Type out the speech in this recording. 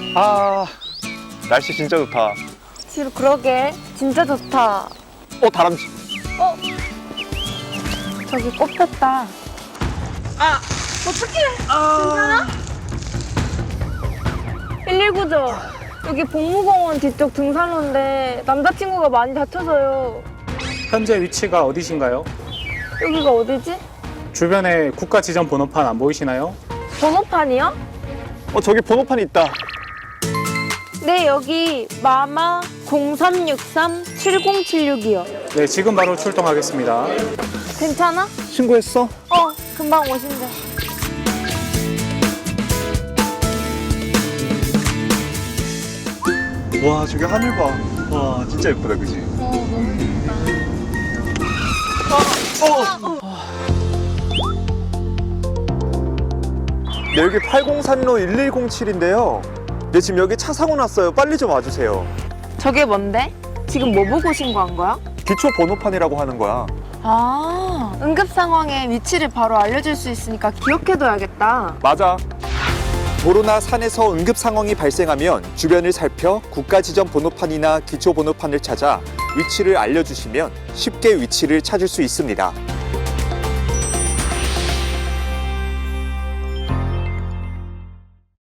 아, 날씨 진짜 좋다. 지루 그러게 진짜 좋다. 다람쥐. 저기 꽃 폈다. 어떡해. 괜찮아? 119죠. 여기 복무공원 뒤쪽 등산로인데 남자친구가 많이 다쳐서요. 현재 위치가 어디신가요? 여기가 어디지? 주변에 국가 지정 번호판 안 보이시나요? 번호판이요? 저기 번호판이 있다. 네, 여기 마마 0363-7076이요. 네, 지금 바로 출동하겠습니다. 괜찮아? 신고했어? 금방 오신대. 와, 저기 하늘 봐. 와, 진짜 예쁘다, 그지? 너무 예쁘다. 네, 여기 803로 1107인데요. 네, 지금 여기 차 사고 났어요. 빨리 좀 와주세요. 저게 뭔데? 지금 뭐 보고 신고한 거야? 기초 번호판이라고 하는 거야. 아, 응급 상황에 위치를 바로 알려줄 수 있으니까 기억해둬야겠다. 맞아. 도로나 산에서 응급 상황이 발생하면 주변을 살펴 국가 지정 번호판이나 기초 번호판을 찾아 위치를 알려주시면 쉽게 위치를 찾을 수 있습니다.